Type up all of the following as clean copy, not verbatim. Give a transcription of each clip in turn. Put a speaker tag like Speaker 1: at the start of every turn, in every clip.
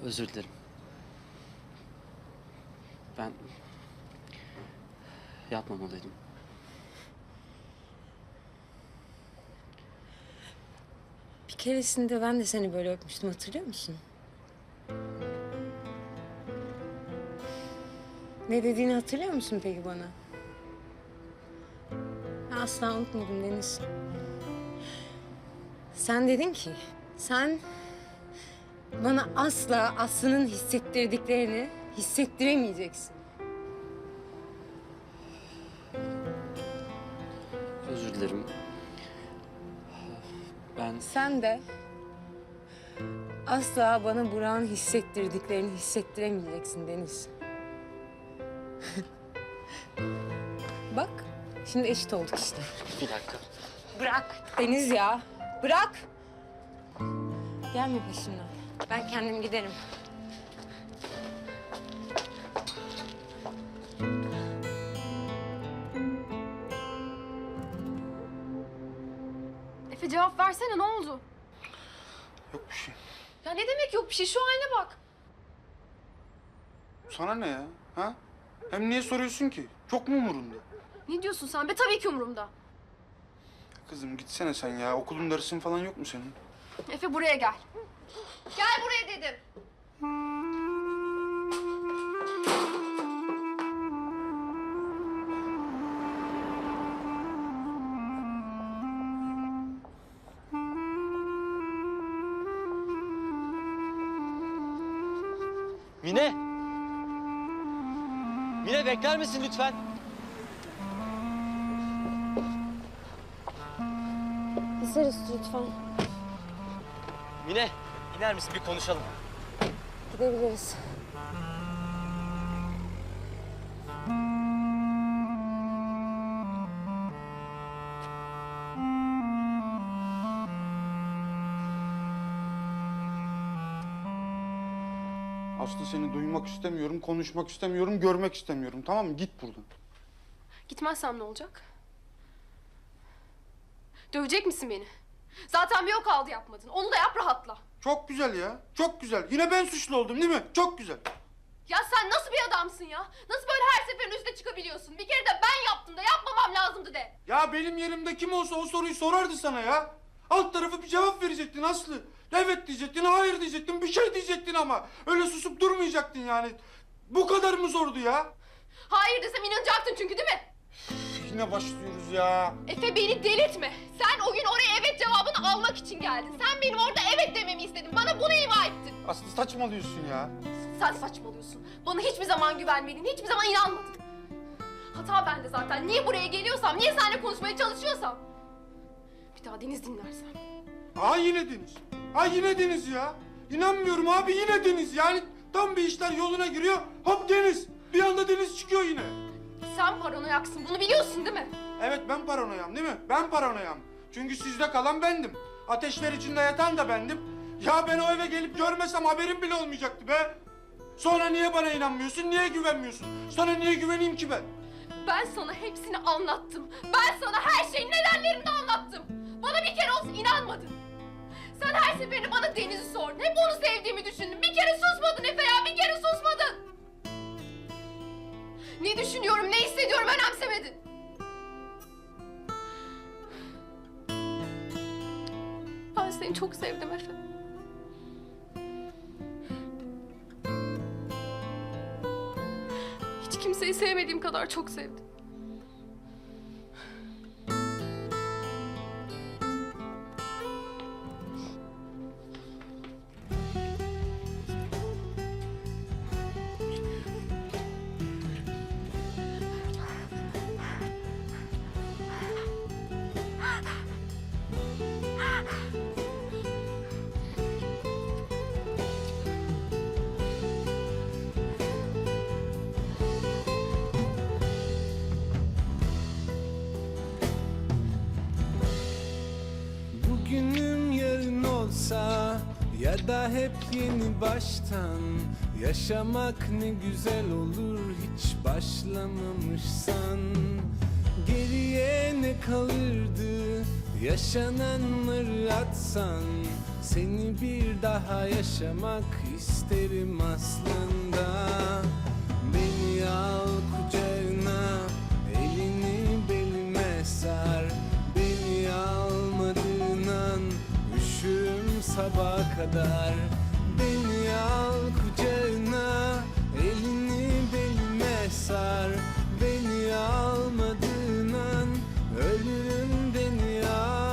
Speaker 1: Özür dilerim. Ben yapmamalıydım.
Speaker 2: Bir keresinde ben de seni böyle öpmüştüm, hatırlıyor musun? Ne dediğini hatırlıyor musun peki bana? Ben asla unutmadım Deniz. Sen dedin ki, sen bana asla Aslı'nın hissettirdiklerini hissettiremeyeceksin.
Speaker 1: Özür dilerim. Ben
Speaker 2: Sen de asla bana Burak'ın hissettirdiklerini hissettiremeyeceksin Deniz. Bak, şimdi eşit olduk işte.
Speaker 1: bir dakika.
Speaker 2: Bırak Deniz ya, bırak. Gelme peşimden. Ben kendim giderim.
Speaker 3: Efe cevap versene, ne oldu?
Speaker 4: Yok bir şey.
Speaker 3: Ya ne demek yok bir şey? Şu haline bak.
Speaker 4: Sana ne ya? Ha? Hem niye soruyorsun ki? Çok mu umurunda?
Speaker 3: Ne diyorsun sen be? Tabii ki umurumda.
Speaker 4: Kızım gitsene sen ya. Okulun dersin falan yok mu senin?
Speaker 3: Efe buraya gel. Gel buraya dedim.
Speaker 5: Mine! Mine bekler misin lütfen?
Speaker 2: Gideriz lütfen.
Speaker 5: Mine, iner misin? Bir konuşalım.
Speaker 2: Gidebiliriz.
Speaker 4: Aslı seni duymak istemiyorum, konuşmak istemiyorum, görmek istemiyorum. Tamam mı? Git buradan.
Speaker 3: Gitmezsem ne olacak? Dövecek misin beni? Zaten bir o kaldı yapmadın. Onu da yap, rahatla.
Speaker 4: Çok güzel ya. Çok güzel. Yine ben suçlu oldum değil mi? Çok güzel.
Speaker 3: Ya sen nasıl bir adamsın ya? Nasıl böyle her seferin üstüne çıkabiliyorsun? Bir kere de ben yaptım da yapmamam lazımdı de.
Speaker 4: Ya benim yerimde kim olsa o soruyu sorardı sana ya. Alt tarafı bir cevap verecektin Aslı. Evet diyecektin, hayır diyecektin, bir şey diyecektin ama. Öyle susup durmayacaktın yani. Bu kadar mı zordu ya?
Speaker 3: Hayır desem inanacaktın çünkü değil mi?
Speaker 4: Yine başlıyoruz ya.
Speaker 3: Efe beni delirtme. Sen o gün oraya evet cevabını almak için geldin. Sen benim orada evet dememi istedin. Bana bunu ima ettin.
Speaker 4: Aslı saçmalıyorsun ya.
Speaker 3: Sen saçmalıyorsun. Bana hiçbir zaman güvenmedin, hiçbir zaman inanmadın. Hata bende zaten. Niye buraya geliyorsam, niye seninle konuşmaya çalışıyorsam. Bir daha Deniz dinlersem.
Speaker 4: Ha yine Deniz. Ha yine Deniz ya. İnanmıyorum abi yine Deniz. Yani tam bir işler yoluna giriyor. Hop Deniz. Bir anda Deniz çıkıyor yine.
Speaker 3: Sen paranoyaksın, bunu biliyorsun değil mi?
Speaker 4: Evet ben paranoyam değil mi? Ben paranoyam. Çünkü sizde kalan bendim. Ateşler içinde yatan da bendim. Ya ben o eve gelip görmesem haberim bile olmayacaktı be. Sonra niye bana inanmıyorsun? Niye güvenmiyorsun? Sana niye güveneyim ki ben?
Speaker 3: Ben sana hepsini anlattım. Ben sana her şeyin nedenlerini de anlattım. Bana bir kere olsun inanmadın. Sen her seferinde bana Deniz'i sordun. Hep onu sevdiğimi düşündün. Bir kere susmadın Efe ya, bir kere susmadın. Ne düşünüyorum, ne hissediyorum önemsemedin. Ben seni çok sevdim Efe. Hiç kimseyi sevmediğim kadar çok sevdim.
Speaker 6: Bugünüm yarın olsa ya da hep yeni baştan yaşamak ne güzel olur hiç başlamamışsan. Geriye ne kalırdı Yaşananları atsan seni bir daha yaşamak isterim aslında. Beni al kucağına, elini belime sar. Beni almadığın an üşürüm sabaha kadar. Beni al kucağına, elini belime sar. Beni almadığın an ölürüm, beni al.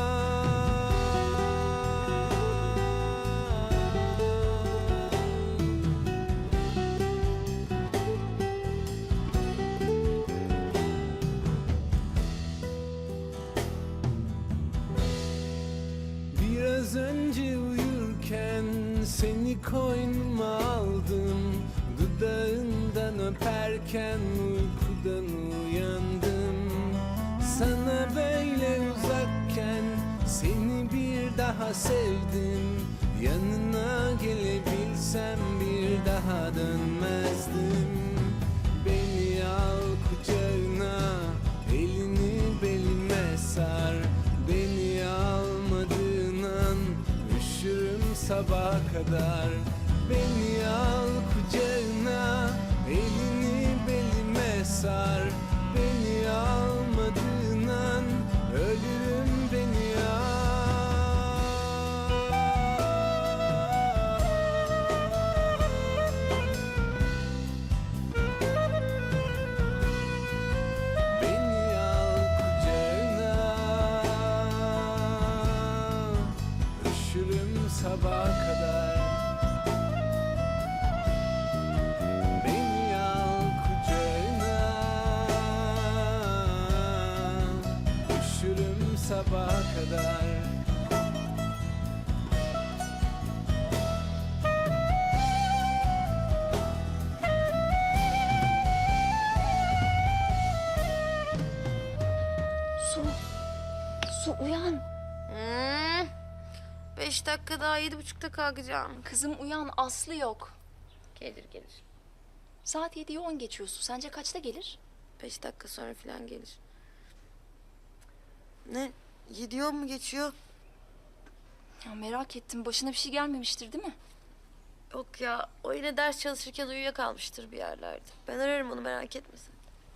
Speaker 6: Biraz önce uyurken seni koynuma aldım. Dudağından öperken uykudan uyandım. Sana böyle uzakken seni bir daha sevdim. Yanına gelebilsem bir daha dönmezdim. Beni al kucağına, elini belime sar. Beni almadığın an üşürüm sabaha kadar. Beni al kucağına, elini belime sar. Beni almadığın an ölürüm, beni al. Beni al kucağına, üşürüm sabaha kadar. Beni al kucağına, üşürüm sabaha kadar.
Speaker 2: Su uyan. 5 dakika daha 7.30'da kalkacağım.
Speaker 7: Kızım uyan, Aslı yok.
Speaker 2: Gelir gelir.
Speaker 7: Saat 7'yi 10 geçiyorsun. Sence kaçta gelir?
Speaker 2: 5 dakika sonra falan gelir. Ne? 7 mu geçiyor?
Speaker 7: Ya merak ettim. Başına bir şey gelmemiştir değil mi?
Speaker 2: Yok ya, o yine ders çalışırken uyuyakalmıştır bir yerlerde. Ben ararım onu, merak etme sen.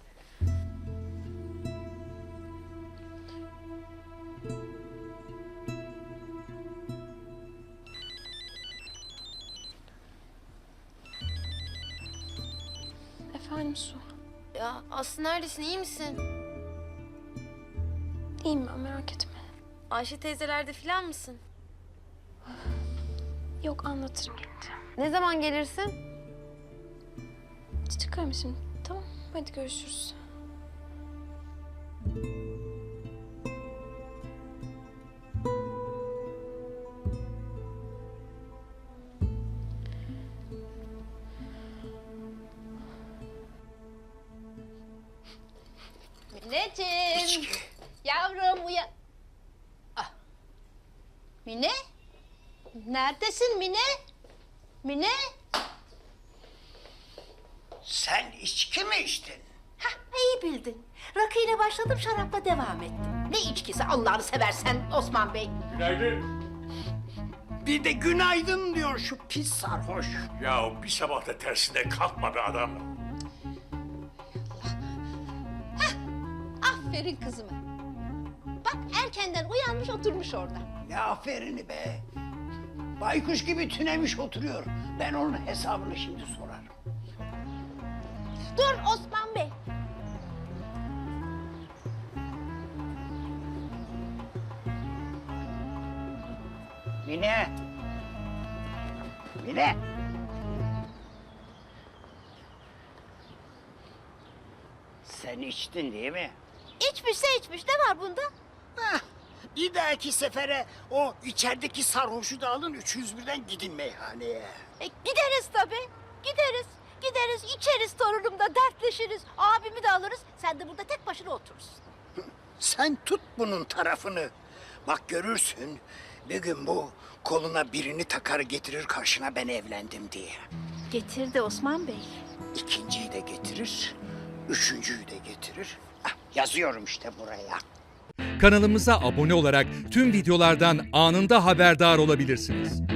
Speaker 7: Efendim Su.
Speaker 2: Ya Aslı neredesin, iyi misin?
Speaker 7: İyiyim ben, merak etme.
Speaker 2: Ayşe teyzelerde falan mısın?
Speaker 7: Yok, anlatırım gelince.
Speaker 2: Ne zaman gelirsin?
Speaker 7: Çıkarım şimdi. Tamam, hadi görüşürüz.
Speaker 8: Mineciğim. Yavrum uyan. Ah. Mine? Neredesin Mine? Mine?
Speaker 9: Sen içki mi içtin?
Speaker 8: Hah, iyi bildin. Rakıyla başladım, şarapla devam ettim. Ne içkisi Allah'ını seversen Osman Bey?
Speaker 9: Bir de günaydın diyor şu pis sarhoş.
Speaker 10: Ya bir sabah da tersine kalkma be adam.
Speaker 8: Aferin kızıma. Bak erkenden uyanmış oturmuş orada.
Speaker 9: Ne aferini be. Baykuş gibi tünemiş oturuyor. Ben onun hesabını şimdi sorarım.
Speaker 8: Dur Osman Bey.
Speaker 9: Mine. Mine. Sen içtin değil mi?
Speaker 8: İçmişse içmiş, ne var bunda?
Speaker 9: Hah, bir dahaki sefere o içerideki sarhoşu da alın 301'den gidin meyhaneye.
Speaker 8: Gideriz tabii. Gideriz. Gideriz, içeriz torunumla, dertleşiriz. Abimi de alırız. Sen de burada tek başına oturursun.
Speaker 9: Sen tut bunun tarafını. Bak görürsün bir gün bu koluna birini takar getirir karşına ben evlendim diye.
Speaker 8: Getirdi Osman Bey.
Speaker 9: İkinciyi de getirir, üçüncüyü de getirir. Ah, yazıyorum işte buraya.
Speaker 11: Kanalımıza abone olarak tüm videolardan anında haberdar olabilirsiniz.